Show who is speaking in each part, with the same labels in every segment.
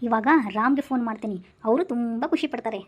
Speaker 1: ಇವಾಗ ರಾಮ್ಗೆ ಫೋನ್ ಮಾಡ್ತೀನಿ, ಅವರು ತುಂಬ ಖುಷಿ ಪಡ್ತಾರೆ.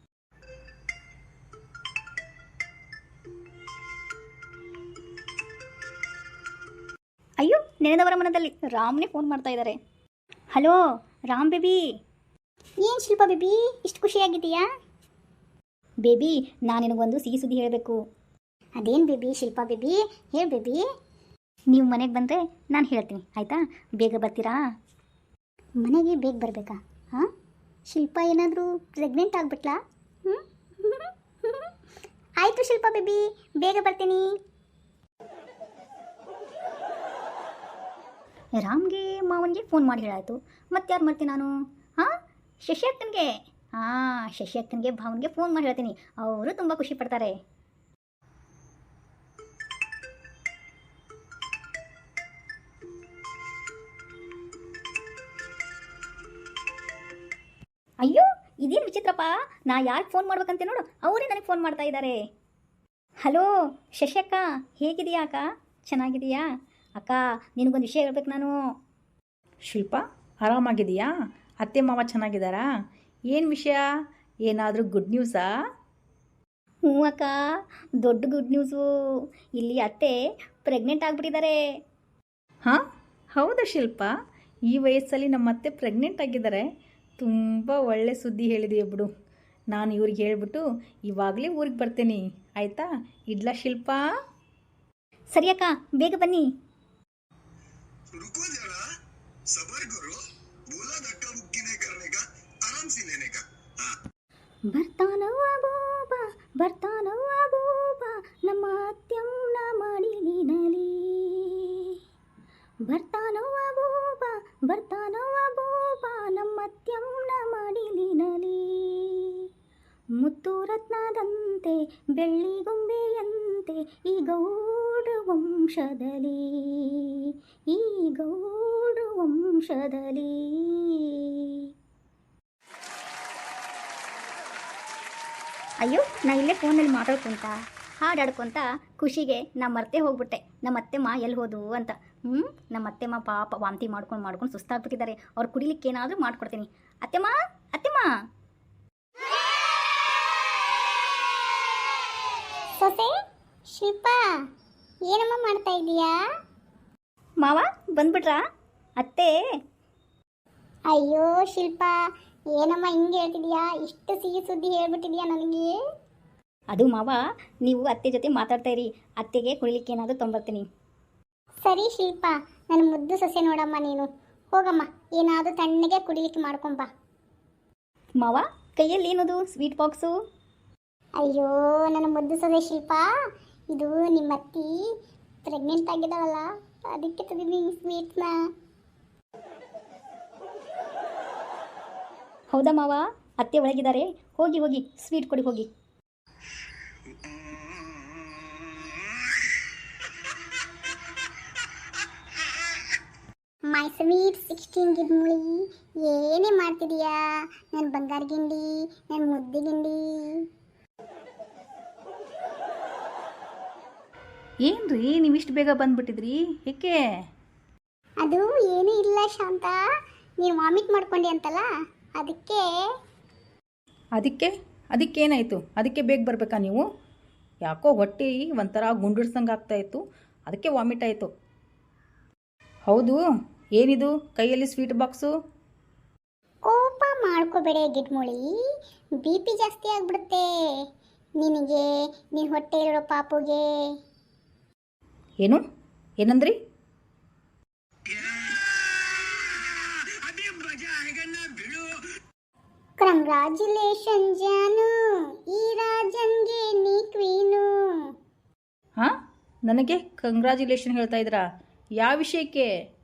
Speaker 1: ಅಯ್ಯೋ, ನೆನೆದವರ ಮನದಲ್ಲಿ ರಾಮ್ನೇ ಫೋನ್ ಮಾಡ್ತಾ ಇದ್ದಾರೆ. Hello Ram baby. ಏನು ಶಿಲ್ಪ ಬೇಬಿ ಇಷ್ಟು ಖುಷಿಯಾಗಿದ್ದೀಯಾ? ಬೇಬಿ, ನಾನು ನಿನಗೊಂದು ಸಿಹಿ ಸುದ್ದಿ ಹೇಳಬೇಕು. ಅದೇನು ಬೇಬಿ ಶಿಲ್ಪ ಬೇಬಿ, ಹೇಳಿ ಬೇಬಿ. ನೀವು ಮನೆಗೆ ಬಂದರೆ ನಾನು ಹೇಳ್ತೀನಿ, ಆಯಿತಾ? ಬೇಗ ಬರ್ತೀರಾ? ಮನೆಗೆ ಬೇಗ ಬರಬೇಕಾ? ಹಾಂ, ಶಿಲ್ಪ ಏನಾದರೂ ಪ್ರೆಗ್ನೆಂಟ್ ಆಗಿಬಿಟ್ಲಾ? ಆಯಿತು ಶಿಲ್ಪ ಬೇಬಿ, ಬೇಗ ಬರ್ತೀನಿ. ರಾಮ್ಗೆ ಮಾವನಿಗೆ ಫೋನ್ ಮಾಡಿ ಹೇಳಾಯಿತು, ಮತ್ತೆ ಯಾರು ಮಾಡ್ತೀನಿ ನಾನು? ಹಾಂ, ಶಶಿ ಅಕ್ಕನಿಗೆ. ಹಾಂ, ಶಶಿ ಅಕ್ಕನಿಗೆ ಭಾವನಿಗೆ ಫೋನ್ ಮಾಡಿ ಹೇಳ್ತೀನಿ, ಅವರು ತುಂಬ ಖುಷಿ ಪಡ್ತಾರೆ. ಅಯ್ಯೋ, ಇದೇನು ವಿಚಿತ್ರಪ್ಪ, ನಾ ಯಾರಿಗೆ ಫೋನ್ ಮಾಡ್ಬೇಕಂತೆ ನೋಡು, ಅವರೇ ನನಗೆ ಫೋನ್ ಮಾಡ್ತಾ ಇದ್ದಾರೆ. ಹಲೋ ಶಶಿ ಅಕ್ಕ, ಹೇಗಿದೆಯಾ ಅಕ್ಕ? ಚೆನ್ನಾಗಿದೆಯಾ ಅಕ್ಕ? ನಿನಗೊಂದು ವಿಷಯ ಹೇಳ್ಬೇಕು ನಾನು.
Speaker 2: ಶಿಲ್ಪ, ಆರಾಮಾಗಿದೆಯಾ? ಅತ್ತೆ ಮಾವ ಚೆನ್ನಾಗಿದ್ದಾರಾ? ಏನು ವಿಷಯ? ಏನಾದರೂ ಗುಡ್ ನ್ಯೂಸಾ?
Speaker 1: ಹ್ಞೂ ಅಕ್ಕ, ದೊಡ್ಡ ಗುಡ್ ನ್ಯೂಸು. ಇಲ್ಲಿ ಅತ್ತೆ ಪ್ರೆಗ್ನೆಂಟ್ ಆಗಿಬಿಟ್ಟಿದ್ದಾರೆ.
Speaker 2: ಹಾಂ, ಹೌದಾ ಶಿಲ್ಪ? ಈ ವಯಸ್ಸಲ್ಲಿ ನಮ್ಮ ಅತ್ತೆ ಪ್ರೆಗ್ನೆಂಟ್ ಆಗಿದ್ದಾರೆ. ತುಂಬ ಒಳ್ಳೆ ಸುದ್ದಿ ಹೇಳಿದೆಯಾ ಬಿಡು. ನಾನು ಇವ್ರಿಗೆ ಹೇಳ್ಬಿಟ್ಟು ಇವಾಗಲೇ ಊರಿಗೆ ಬರ್ತೀನಿ, ಆಯಿತಾ? ಇಡ್ಲಾ ಶಿಲ್ಪ?
Speaker 1: ಸರಿ ಅಕ್ಕ, ಬೇಗ ಬನ್ನಿ.
Speaker 3: रुको जरा, सबर करो, बोला धक्का मुक्की नहीं करने का, आराम से लेने का. हाँ.
Speaker 1: ಬರ್ತಾನವ್ವ ಬೂಬ, ಬರ್ತಾನವ್ವ ಬೂಬ, ನಮ್ಮ ಅತ್ಯಂನ ಮಡಿಲಿನಲಿ. ಬರ್ತಾನವ್ವ ಬೂಬ, ಬರ್ತಾನವ್ವ ಬೂಬ, ನಮ್ಮ ಅತ್ಯಂನ ಮಡಿಲಿನಲಿ. ಮುತ್ತು ರತ್ನದಂತೆ ಬೆಳ್ಳಿಗೊಂಬೆಯಂತೆ ಈ ಗೌಡ ವಂಶದಲ್ಲಿ, ಈ ಗೌಡ ವಂಶದಲ್ಲಿ. ಅಯ್ಯೋ, ನಾ ಇಲ್ಲೇ ಫೋನಲ್ಲಿ ಮಾತಾಡ್ಕೊಂತ ಹಾಡಾಡ್ಕೊತ ಖುಷಿಗೆ ನಾ ಮರ್ತೆ ಹೋಗ್ಬಿಟ್ಟೆ ನಮ್ಮ ಅತ್ತೆಮ್ಮ ಎಲ್ಲಿ ಹೋದು ಅಂತ. ನಮ್ಮ ಅತ್ತೆಮ್ಮ ಪಾಪ ವಾಂತಿ ಮಾಡ್ಕೊಂಡು ಸುಸ್ತಾಗ್ಬಿಟ್ಟಿದ್ದಾರೆ. ಅವ್ರು ಕುಡಿಲಿಕ್ಕೆ ಏನಾದರೂ ಮಾಡ್ಕೊಡ್ತೀನಿ. ಅತ್ತೆಮ್ಮ, ಅತ್ತೆಮ್ಮ.
Speaker 4: ಸೊಸೆ ಶಿಲ್ಪ, ಏನಮ್ಮ ಮಾಡ್ತಾ ಇದೀಯಾ?
Speaker 1: ಮಾವ ಬಂದ್ಬಿಟ್ರಾ? ಅತ್ತೆ.
Speaker 4: ಅಯ್ಯೋ ಶಿಲ್ಪ, ಏನಮ್ಮ ಹಿಂಗೆ ಹೇಳ್ತಿದ್ಯಾ? ಇಷ್ಟು ಸಿಹಿ ಸುದ್ದಿ ಹೇಳ್ಬಿಟ್ಟಿದ್ಯಾ ನನಗೆ.
Speaker 1: ಅದು ಮಾವ, ನೀವು ಅತ್ತೆ ಜೊತೆ ಮಾತಾಡ್ತಾ ಇರಿ, ಅತ್ತೆಗೆ ಕುಡಿಲಿಕ್ಕೆ ಏನಾದರೂ ತೊಂಬರ್ತೀನಿ.
Speaker 4: ಸರಿ ಶಿಲ್ಪ, ನನ್ನ ಮುದ್ದು ಸೊಸೆ ನೋಡಮ್ಮ ನೀನು. ಹೋಗಮ್ಮ, ಏನಾದರೂ ತಣ್ಣಗೆ ಕುಡಿಲಿಕ್ಕೆ ಮಾಡ್ಕೊಂಬ.
Speaker 1: ಮಾವ, ಕೈಯಲ್ಲಿ ಏನದು ಸ್ವೀಟ್ ಬಾಕ್ಸು?
Speaker 4: ಅಯ್ಯೋ ನನ್ನ ಮುದ್ದು ಸೊಸೆ ಶಿಲ್ಪ, ಇದು ನಿಮ್ಮ ಅತ್ತಿ ಪ್ರೆಗ್ನೆಂಟ್ ಆಗಿದ್ದಾಳಲ್ಲ, ಅದಕ್ಕೆ ತಂದಿದ್ದೀನಿ ಈ ಸ್ವೀಟ್ನ.
Speaker 1: ಹೌದಾ ಮಾವ? ಅತ್ತೆ ಒಳಗಿದ್ದಾರೆ, ಹೋಗಿ ಹೋಗಿ ಸ್ವೀಟ್ ಕೊಡಿ ಹೋಗಿ.
Speaker 4: ಮೈ ಸ್ವೀಟ್ 16 ಗಿಡ್ಮುಳಿ, ಏನೇ ಮಾಡ್ತಿದೀಯಾ ನನ್ನ ಬಂಗಾರ ಗಿಂಡಿ, ನನ್ನ ಮುದ್ದೆ ಗಿಂಡಿ?
Speaker 2: ಏನ್ರಿ ನೀವು ಇಷ್ಟು ಬೇಗ ಬಂದುಬಿಟ್ಟಿದ್ರಿ, ಏಕೆ?
Speaker 4: ಅದು ಏನೂ ಇಲ್ಲ ಶಾಂತ, ನೀನು ವಾಮಿಟ್ ಮಾಡ್ಕೊಂಡಿ ಅಂತಲ್ಲ ಅದಕ್ಕೆ.
Speaker 2: ಅದಕ್ಕೇನಾಯಿತು? ಅದಕ್ಕೆ ಬೇಗ ಬರಬೇಕಾ ನೀವು? ಯಾಕೋ ಹೊಟ್ಟೆ ಒಂಥರ ಗುಂಡಿಡ್ಸಂಗೆ ಆಗ್ತಾಯಿತ್ತು, ಅದಕ್ಕೆ ವಾಮಿಟ್ ಆಯಿತು. ಹೌದು, ಏನಿದು ಕೈಯಲ್ಲಿ ಸ್ವೀಟ್ ಬಾಕ್ಸು?
Speaker 4: ಕೋಪ ಮಾಡ್ಕೋಬೇಡ ಗಿಡ್ಮುಳಿ, ಬಿ ಪಿ ಜಾಸ್ತಿ ಆಗಿಬಿಡುತ್ತೆ ನಿನಗೆ, ನಿನ್ನ ಹೊಟ್ಟೆ ಇರೋ ಪಾಪುಗೆ.
Speaker 2: ಏನು ಏನಂದ್ರಿ?
Speaker 4: ಕಂಗ್ರಾಚ್ಯುಲೇಷನ್ ಜಾನು, ಈ ರಾಜನ್ಗೆ ನೀ ಕ್ವೀನು.
Speaker 2: ಹಾಂ, ನನಗೆ ಕಂಗ್ರ್ಯಾಚುಲೇಷನ್ ಹೇಳ್ತಾ ಇದ್ದೀರಾ? ಯಾವ ವಿಷಯಕ್ಕೆ?